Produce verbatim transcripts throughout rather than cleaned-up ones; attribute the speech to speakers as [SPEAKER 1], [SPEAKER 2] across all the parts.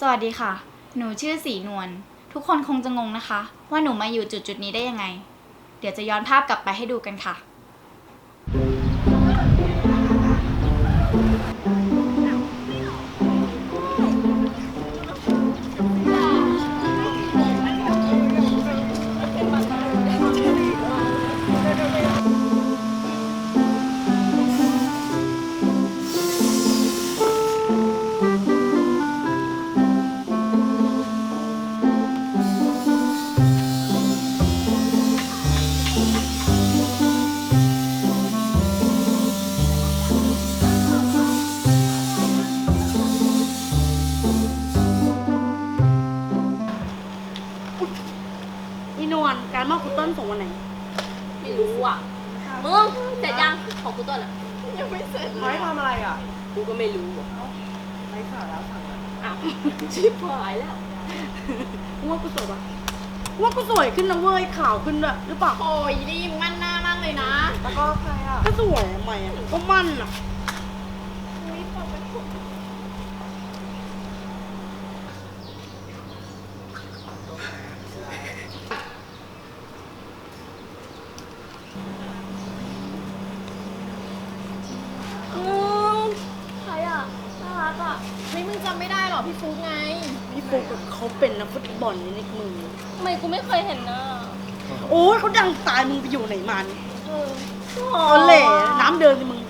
[SPEAKER 1] วัสดีค่ะหนูชื่อสีนวลทุกคนคงจะงงนะคะว่าหนูมาอยู่จุดจุดนี้ได้ยังไงเดี๋ยวจะย้อนภาพกลับไปให้ดูกันค่ะ
[SPEAKER 2] อีนวลการมอบคุณต้นส่งวันไหน
[SPEAKER 3] ไม่รู้อ่ะมึงเสร็จยังของกูต้นอ่ะยังไม่เสร็จเลย
[SPEAKER 4] ไม้ทำอะไรอ่ะ
[SPEAKER 3] กูก็ไม่รู้อ่ะ
[SPEAKER 4] ไม้ขาดแล้วสั่งแล้ว
[SPEAKER 3] อ้าวชิบหายแล้ว
[SPEAKER 2] ว่ากูสวยปะว่ากูสวยขึ้นนะเว้ยขาวขึ้นด้วยหรือเปล่า
[SPEAKER 3] โอ้ยนี่มึงมั่นหน้ามากเลยนะ
[SPEAKER 4] แล้วก็ใครอ่ะ
[SPEAKER 2] ก็สวยใหม่อ่ะก็มั่นอ่ะ
[SPEAKER 3] ใครอ่ะน่ารักอ่ะไม่มึงจำไม่ได้หรอพี่ฟุ๊กไง
[SPEAKER 2] พี่ฟุ๊กเขาเป็นนักฟุตบอลในนิกมือ
[SPEAKER 3] ทำไมกูไม่เคยเห็นนะ
[SPEAKER 2] โอ้ยเขาดังตายมึงไปอยู่ไหนมานี่
[SPEAKER 3] เออ
[SPEAKER 2] อ๋อเหล่น้ำเดินสิมึง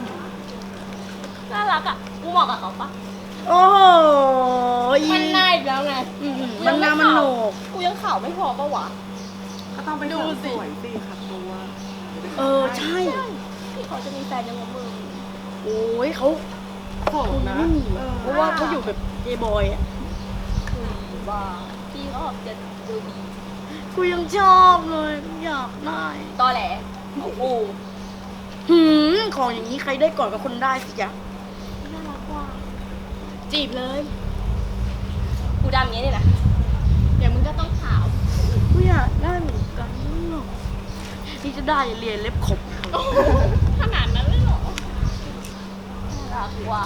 [SPEAKER 3] น่ารักอ่ะกูเหมาะกับเขาปะ
[SPEAKER 2] โอ้โหอี
[SPEAKER 3] มันหน้าอีกแล้วไง
[SPEAKER 2] อืมมันหน้ามันโหนก
[SPEAKER 3] กูยังขาวไม่พอปะวะ
[SPEAKER 4] ก็ต้องไปเสริมสวยสิขัดตัว
[SPEAKER 2] เออใช่
[SPEAKER 3] พี่เขาจะมีแฟนยังไงมึง
[SPEAKER 2] โอ้ยเขา
[SPEAKER 4] โสดนะ
[SPEAKER 2] ไม่มีเพราะว่าเขาอยู่แบบเกย์บอยอ่ะ
[SPEAKER 3] คือว่าพี่เขาออกจะดูดี
[SPEAKER 2] กูยังชอบเลยอยากได้
[SPEAKER 3] ตอแหลโอ้โห
[SPEAKER 2] หืมของอย่างนี้ใครได้ก่อนกับคนได้สิจ๊ะ
[SPEAKER 3] น่ารักว่ะ
[SPEAKER 2] จีบเลย
[SPEAKER 3] กูดำอย่างนี้เลยนะเดี๋ยวมึงก็ต้องขาว
[SPEAKER 2] กูอยากได้เหมือนกันหรอกที่จะได้เรียนเล็บขบ
[SPEAKER 3] ขนาดนั้นเลยเหรอน่ารักว่ะ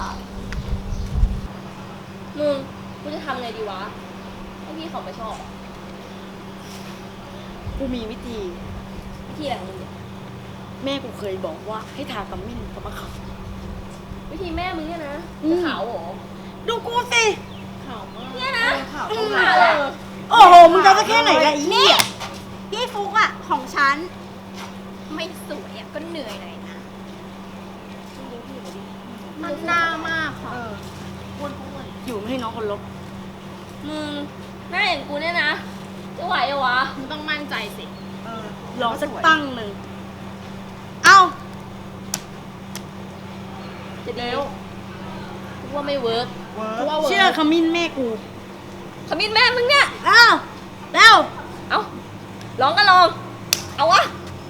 [SPEAKER 3] มึงกูจะทำไงดีวะให้พี่เขาไม่ชอบอะ
[SPEAKER 2] กูมีวิธี
[SPEAKER 3] วิธีอะไรของมึงเนี่ย
[SPEAKER 2] แม่กูเคยบอกว่าให้ทากำมิ้นกับมะขาม
[SPEAKER 3] วิธีแม่มึงเนี่ยนะ
[SPEAKER 2] อืม
[SPEAKER 3] ขาวเหรอ
[SPEAKER 2] ดูกูสิ
[SPEAKER 3] ขาวมากเนี่ยนะ
[SPEAKER 4] ข่าว
[SPEAKER 2] อื
[SPEAKER 4] ต้อง
[SPEAKER 2] ม
[SPEAKER 4] หา
[SPEAKER 3] เออ
[SPEAKER 2] โอ้โหมึงจะเอาสักแค่ไหนละอีเนี่ย
[SPEAKER 5] พี่ฟุกอะของฉัน ไม่สวยอะก็เหนื่อยหน่อยนะ มันหน้ามากค่ะ
[SPEAKER 4] เออ
[SPEAKER 2] อยู่ไม่ให้น้องคนลบ
[SPEAKER 3] มึงหน้าอย่างกูเนี่ยนะจะไหวเหรอวะมึงต้องมั่นใจสิ
[SPEAKER 4] เออ
[SPEAKER 2] รอสักตั้งหนึ่งเอ้า
[SPEAKER 3] จะดีกูว่าไม่เวิร์ก
[SPEAKER 4] เวิร์
[SPEAKER 3] กู
[SPEAKER 4] ก
[SPEAKER 3] ว่าเวิร์ก
[SPEAKER 2] เชื่อขมิ้นแม่กู
[SPEAKER 3] ขมิ้นแม่มึงเนี่ย
[SPEAKER 2] เอ้าแล้ว
[SPEAKER 3] เอาลองก็ลอง เอาวะ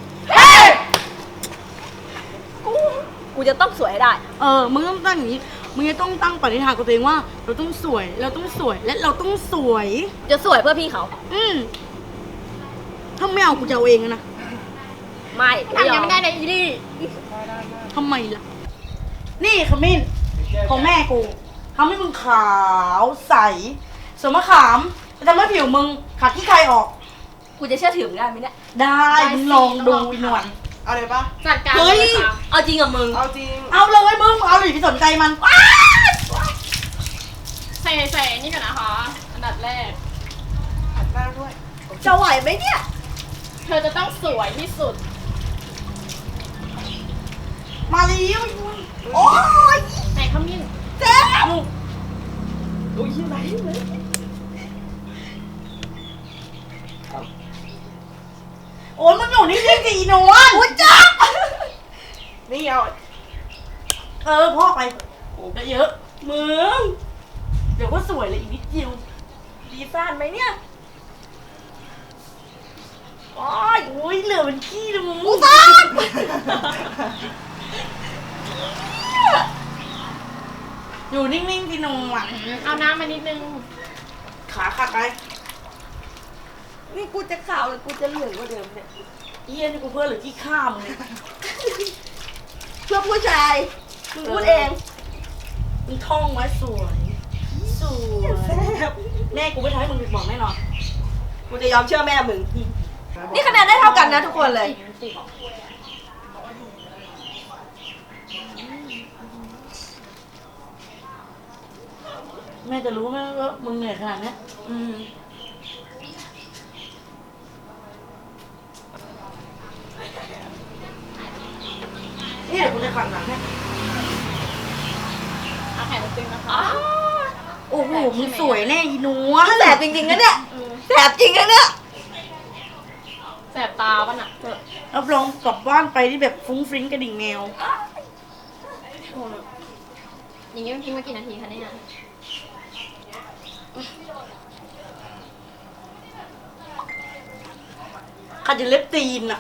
[SPEAKER 3] กู กูจะต้องสวยให้ได้
[SPEAKER 2] เออมึงต้องตั้งอย่างนี้มึงจะต้องตั้งปณิธานกับตัวเองว่า เราต้องสวย เราต้องสวยและเราต้องสวย
[SPEAKER 3] จะสวยเพื่อพี่เขา
[SPEAKER 2] อืมถ้าไม่เอากูจะเอาเองนะ
[SPEAKER 3] ไม่
[SPEAKER 5] ทำยังไม่ได้เลยอีลี่
[SPEAKER 2] ทำไมล่ะ นี่ขมิ้นของแม่กูทำให้มึงขาวใสส่วนมะขามจะทำให้ผิวมึงขาดขี้ใครออก
[SPEAKER 3] กูจะเชื่อถือมึงได้ไหมเนี่ย
[SPEAKER 2] ได้มึงลองดูอีหนวล
[SPEAKER 4] เอาเลยปะ
[SPEAKER 3] จัดการ
[SPEAKER 2] เฮ้ย
[SPEAKER 3] ลค่ะเอาจริงกับมึง
[SPEAKER 4] เอาจริง
[SPEAKER 2] เอาเลยมึงเอาเลยที่สนใจมัน
[SPEAKER 3] ใส่ใส่นี่ก่อนนะคะ อันดับแรก
[SPEAKER 4] ขัดหน้าด้วย
[SPEAKER 2] จะไหวไหมเนี่ย
[SPEAKER 3] เธอจะต้องสวยที่สุด
[SPEAKER 2] มาเลี้ยวโอ้ย
[SPEAKER 3] ไหนขมิ้น
[SPEAKER 2] เจ็บ
[SPEAKER 3] อุ้ยไหนเลย
[SPEAKER 2] โอ้ยมึงอยู่นิ่งๆสิอีหนวลอุ้ยจ้า
[SPEAKER 4] นี่เอา
[SPEAKER 2] เออพ่อไปโอ้เยอะมึงเดี๋ยวก็สวยเลยอีกนิดเดียว
[SPEAKER 3] ดีซ่านไหมเนี่ย
[SPEAKER 2] โอ้ยโอ้ยเหลือเป็นขี้เลยมึง
[SPEAKER 5] กูซ่าน
[SPEAKER 2] อยู่นิ่งๆสิหนวล
[SPEAKER 3] เอาน้ำมานิดนึง
[SPEAKER 2] ขาขาดไป
[SPEAKER 4] นี่กูจะขาวหรือกูจะเหลืองกว่าเดิมเนี่ย
[SPEAKER 2] เอี้ยนี่กูเพื่อหรือที่ข้ามงเนี่ย
[SPEAKER 4] เพื่อผู้ชายมึงพูดเอง
[SPEAKER 2] มึงท่องไว้สวย สวยแม่กูไม่ทำให้มึงผิดหวังแน่นอน
[SPEAKER 4] กูจะยอมเชื่อแม่มึง นี่คะแนนได้เท่ากันนะทุกคนเลย
[SPEAKER 2] แม่จะรู้ไหมว่ามึงเหนื่อยขนาดเนี้ย
[SPEAKER 4] อืม
[SPEAKER 2] นี่เดี๋ยวกูจะฝังหลังให้
[SPEAKER 3] เอาแขนตึงนะคะ
[SPEAKER 2] โอ้โหมึงสวยแน่อีหนัว
[SPEAKER 4] แสบจริงๆนะเนี่ยแสบจริงนะเนี่ย
[SPEAKER 3] แสบตาป่ะน่ะ
[SPEAKER 2] รับรองกลับบ้านไปที่แบบฟุ้งฟริ้งกระดิ่งแมว
[SPEAKER 3] อย่างนี้มันทิ้งมากี่นาทีคะเนี่ย
[SPEAKER 2] ขัดจะเล็บตีนอ่ะ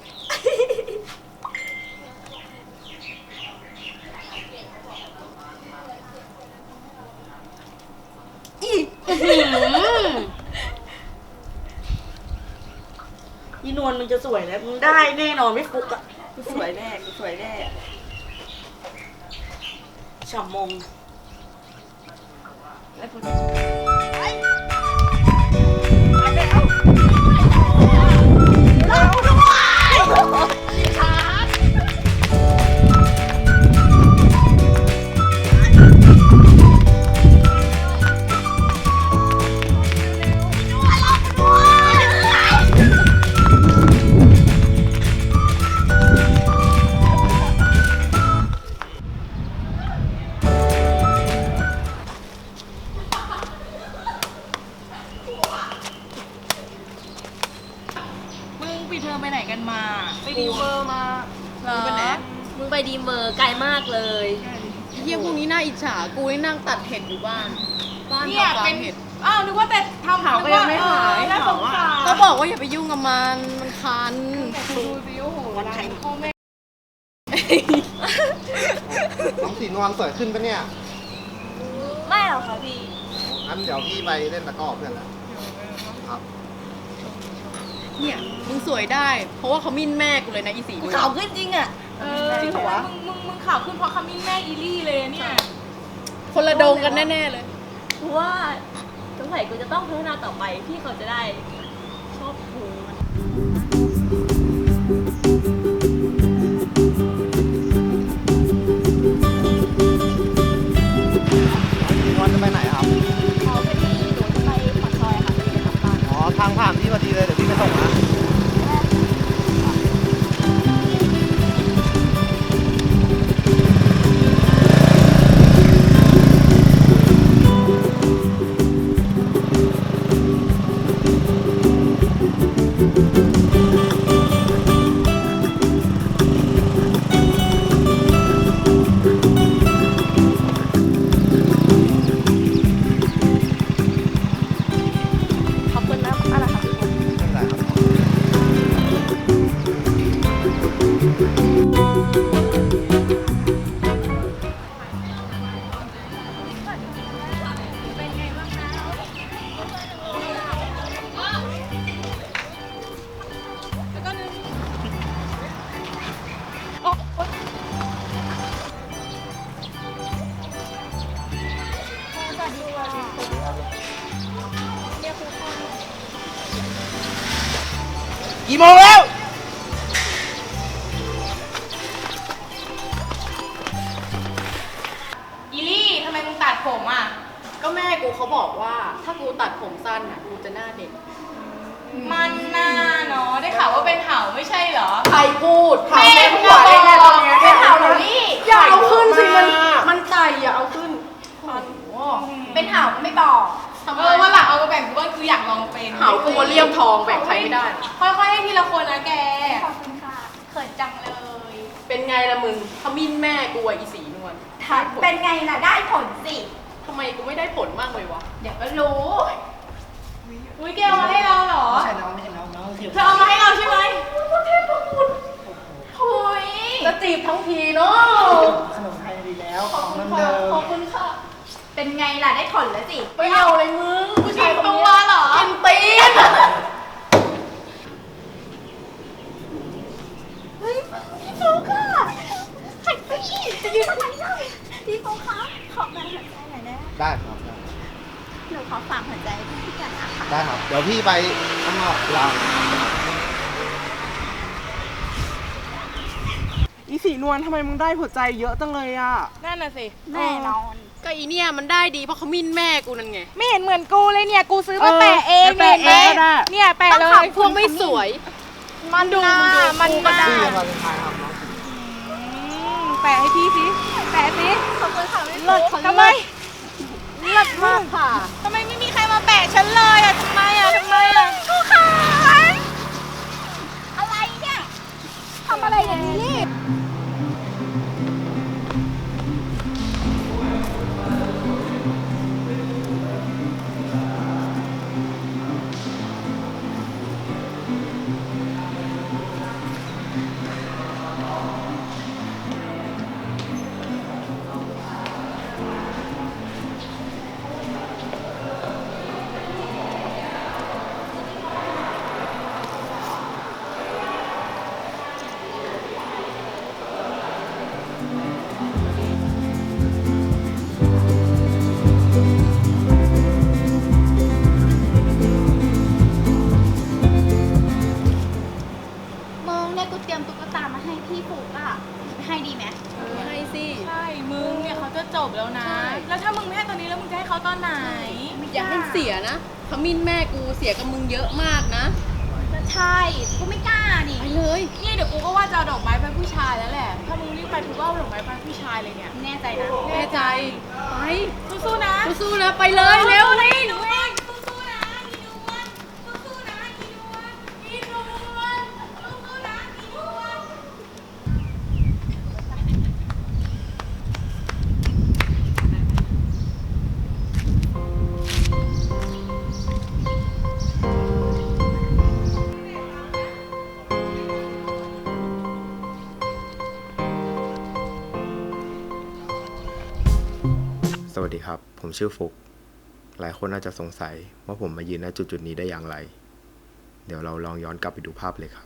[SPEAKER 2] อีอื้อหืออีนวลมึงจะสวยแล้วมึงได้แน่นอนไม่ฟุกอ่ะ
[SPEAKER 4] กูสวยแน่กูสวยแน่
[SPEAKER 2] ฉ่ำมง
[SPEAKER 4] แล้วกู
[SPEAKER 2] มึงปีเธอไปไหนกันมา
[SPEAKER 3] ไปดีเวอร์มา
[SPEAKER 2] เหรอ
[SPEAKER 3] มึงไปดีเวอร์ไกลมากเลย
[SPEAKER 6] เยี่ยพวกนี้น่าอิจฉา กูนี่นั่งตัดเห็ดอยู่บ้าน บ้าน
[SPEAKER 5] เนี่ย
[SPEAKER 6] ทำฟา
[SPEAKER 5] เป็
[SPEAKER 6] ร์
[SPEAKER 5] น
[SPEAKER 6] มเห็ด
[SPEAKER 5] อ้าวนึกว่าแต่ทำ
[SPEAKER 6] เผาก็ยังไม่หาย
[SPEAKER 5] น่าสงสาร
[SPEAKER 6] ก็บอกว่าอย่าไปยุ่งกับมัน มันคัน
[SPEAKER 5] ดูสิโอ้โหร้านพ่อแม่
[SPEAKER 7] น้องสีนวลสวยขึ้นปะเนี่ย
[SPEAKER 3] ไม่หรอกค่ะพี่
[SPEAKER 7] งั้นเดี๋ยวพี่ไปเล่นตะกร้อเพื่อนแล้วครับ
[SPEAKER 6] เนี่ย มึงสวยได้ เพราะว่าเขามิ้นแม่กูเลยนะอีสี
[SPEAKER 4] กู
[SPEAKER 6] มึง
[SPEAKER 4] ขาวขึ้นจริงอ่ะ
[SPEAKER 5] เออ
[SPEAKER 4] จริงเหรอวะ
[SPEAKER 5] มึงมึงมึงข่าวขึ้นเพราะคำมิ้นแม่อีลี่เลยเนี่ย
[SPEAKER 6] คนละโดงกันแน่ ๆ เลย
[SPEAKER 3] กูว่าสงสัยกูจะต้องพัฒนาต่อไปพี่เขาจะได้ชอบกูมัน
[SPEAKER 7] สีนวลจะไปไหนครับ
[SPEAKER 3] ขอพอดีหนูจะไปปากซอยค่ะไปทำบ้าน
[SPEAKER 7] อ๋อ ทางผ่านพี่พอดีเลย เดี๋ยวพี่ไปส่งนะ
[SPEAKER 3] ขอบคุณนะอะไรค่ะ
[SPEAKER 7] ไม่เป็นไรครับ
[SPEAKER 2] กี่โมงแล้ว
[SPEAKER 5] อีลี่ทำไมมึงตัดผมอ่ะ
[SPEAKER 6] ก็แม่กูเขาบอกว่า ถ้ากูตัดผมสั้นอ่ะ กูจะหน้าเด็ก
[SPEAKER 5] มันน่าเนาะได้ข่าวว่าเป็นเห่าไม่ใช่เหรอ
[SPEAKER 6] ใครพูด
[SPEAKER 5] แม่มึงอะบอกเป็นเห่าเหรอนี่
[SPEAKER 6] อย่าเอาขึ้นสิ มัน มันไต่อย่าเอาขึ้น
[SPEAKER 5] เป็นเห่าไม่บอกเออวันหลังเอามาแบ่งกูบ้างคืออยากลองเป็น
[SPEAKER 6] เหากูเลี่ยมทองแบ่งใครไม่ได้
[SPEAKER 5] ค่อยๆให้ทีละคนนะแก ขอบคุณค่ะ เขินจังเลย
[SPEAKER 6] เป็นไงล่ะมึงขมิ้นแม่กูอะอีสีนวล
[SPEAKER 1] เป็นไงล่ะได้ผลสิ
[SPEAKER 6] ทำไมกูไม่ได้ผลมากเลยวะ
[SPEAKER 1] เดี๋ยวก็รู้
[SPEAKER 5] อุ้ยแกเอามาให้เราเหรอ
[SPEAKER 2] ไม่ใช่น้องไม่ใช่น้องน้องเสีย
[SPEAKER 5] เธอเอามาให้เราใช่ไหม
[SPEAKER 1] หุย
[SPEAKER 6] จะจีบทั้งทีเนาะ
[SPEAKER 2] ขนมไทยดีแล้วของเดิม
[SPEAKER 5] ขอบคุณค่ะ
[SPEAKER 1] เป็นไงล่ะได้ผลแล้วสิ
[SPEAKER 6] ไปเอาเลยมึงผู้ชายคน
[SPEAKER 5] ตั
[SPEAKER 6] นี้
[SPEAKER 5] วเหรอ
[SPEAKER 6] กินตีน
[SPEAKER 1] พี่โฟค่ะหันไปจะยืนทำไมเล่าพี่โฟคะขอการหันใจหน่อยนะ
[SPEAKER 7] ได้ครับได้
[SPEAKER 5] หนูขอฝากหัวใจพี่กันนะคะ
[SPEAKER 7] ได้ครับ เดี๋ยวพี่ไปข้างนอกลา
[SPEAKER 8] อีสีนวลทำไมมึงได้หัวใจเยอะจังเลยอ่ะ
[SPEAKER 2] นั่นน่ะสิ
[SPEAKER 5] แน่นอน
[SPEAKER 6] ก็อีเนี่ยมันได้ดีเพราะเขามิ่นแม่กูนั่นไง
[SPEAKER 2] ไม่เห็นเหมือนกูเลยเนี่ย กูซื้อมา
[SPEAKER 8] เออ
[SPEAKER 2] แปะเอง
[SPEAKER 8] แปะเองก็ได้
[SPEAKER 2] เนี่ยแปะเลย
[SPEAKER 6] พวกไม่สวย
[SPEAKER 2] มันดูมันดูมัน
[SPEAKER 7] พี่
[SPEAKER 2] ได้
[SPEAKER 7] วาเลนไทน์ครับน้อง
[SPEAKER 2] แปะให้พี่สิแปะสิ
[SPEAKER 5] ขอบคุณค่ะพี่
[SPEAKER 2] เลิศทำไม
[SPEAKER 5] เลิศมากค่ะ
[SPEAKER 2] ทำไมไม่มีใครมาแปะฉันเลยอ่ะทำไมอ่ะทำไมอ่ะ
[SPEAKER 5] กูค่ะอะไรเนี่ยทำอะไรอย่างนี้นี่
[SPEAKER 1] มึงเนี่ยกูเตรียมตุ๊กตามาให้พี่ฟุกอะให้ดีไหม
[SPEAKER 6] ให้สิ
[SPEAKER 2] ใช่ มึงเนี่ยเขาจะจบแล้วนะ แล้วถ้ามึงไม่ให้ตอนนี้แล้วมึงจะให้เขาตอนไหน
[SPEAKER 6] อย่าให้เสียนะเขามิ่นแม่กูเสียกับมึงเยอะมากนะ
[SPEAKER 1] ก็ใช่ กูไม่กล้านี่
[SPEAKER 6] ไปเลย
[SPEAKER 2] เนี่ยเดี๋ยวกูก็ว่าจะเอาดอกไม้ไปผู้ชายแล้วแหละ ถ้ามึงรีบไปกูก็เอาดอกไม้ไปผู้ชายเลยเนี่ย
[SPEAKER 1] แน่ใจนะ
[SPEAKER 6] แน่ใจ ไป
[SPEAKER 2] สู้ๆนะ
[SPEAKER 6] สู้ๆนะ ไปเลยเร็ว
[SPEAKER 2] เลยหนูเองสู้ๆนะอีนวลสู้ๆนะอีนวลอีนวลสู้ๆนะอีนวล
[SPEAKER 9] สวัสดีครับ ผมชื่อฟุก หลายคนอาจจะสงสัยว่าผมมายืนณจุดจุดๆนี้ได้อย่างไร เดี๋ยวเราลองย้อนกลับไปดูภาพเลยครับ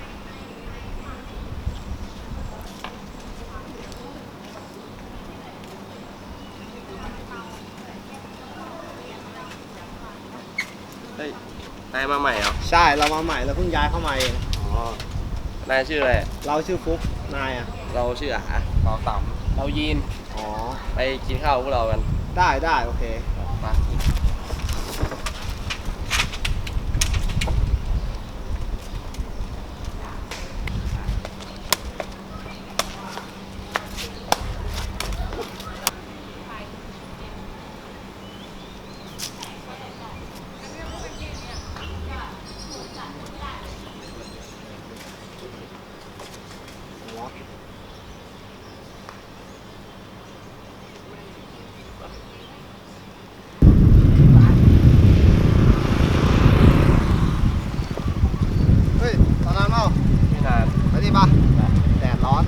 [SPEAKER 10] เฮ้ย นายมาใหม่เหรอ
[SPEAKER 7] ใช่ เรามาใหม่เราเพิ่งย้ายเข้ามาเอง
[SPEAKER 10] อ๋อ นายชื่ออะไร
[SPEAKER 7] เราชื่อฟุก นายอ่ะ
[SPEAKER 10] เราชื่ออาเราต่ำเรายีน
[SPEAKER 7] อ๋อ
[SPEAKER 10] ไปกินข้าวกับพวกเรากัน
[SPEAKER 7] ได้ได้โอเค
[SPEAKER 10] มา
[SPEAKER 7] เฮ้ย ตอนนั้นเปล่า
[SPEAKER 10] ไม่นาน
[SPEAKER 7] ไปดิป่ะแดดร้อน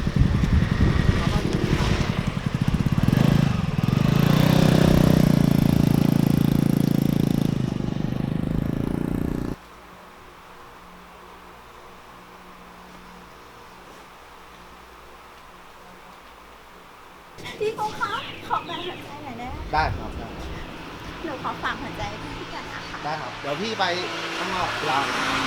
[SPEAKER 5] พี่ฟุกคะขอแบ่งหัวใจหน่อยได้ไหม
[SPEAKER 7] ได้ครับได้
[SPEAKER 5] หนูขอฝากหัวใจพี่กันนะคะ
[SPEAKER 7] ได้ครับ เดี๋ยวพี่ไปข้างนอกลา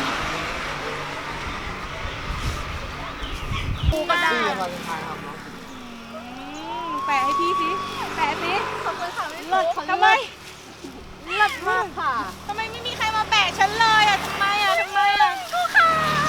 [SPEAKER 2] กูก็ได้
[SPEAKER 7] พี่วาเลนไทน์ครับน้อง
[SPEAKER 2] แปะให้พี่สิแปะสิ
[SPEAKER 5] ขอบคุณค่ะพี่
[SPEAKER 2] เลิศ
[SPEAKER 5] ฟุก
[SPEAKER 2] ทำไม
[SPEAKER 5] เลิศมากค่ะ
[SPEAKER 2] ทำไมไม่มีใครมาแปะฉันเลยอ่ะทำไมอ่ะทำไมอ่ะ
[SPEAKER 5] กูค่ะ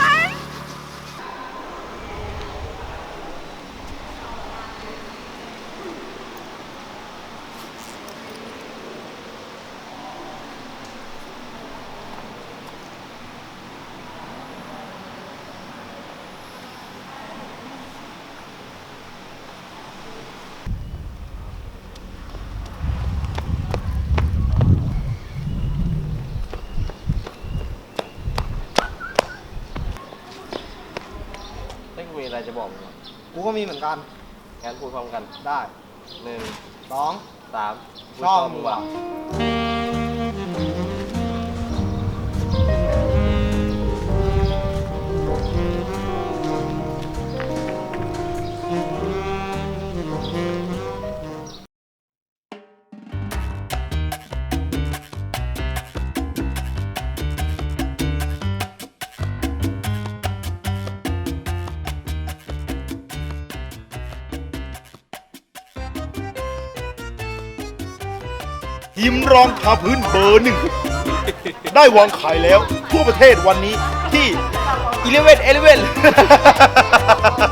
[SPEAKER 10] ไม่มีอะไรจะบอกมึงหรอก
[SPEAKER 7] กูก็มีเหมือนกัน
[SPEAKER 10] งั้นพูดพร้อมกัน
[SPEAKER 7] ได้
[SPEAKER 10] หนึ่ง
[SPEAKER 7] สอง
[SPEAKER 10] สามกู
[SPEAKER 7] ชอบมึงว่ะ
[SPEAKER 10] เ
[SPEAKER 11] ครีมรองทาพื้นเบอร์หนึ่ง ได้วางขายแล้วทั่วประเทศวันนี้ที่ อีเลฟเว่น อีเลฟเว่น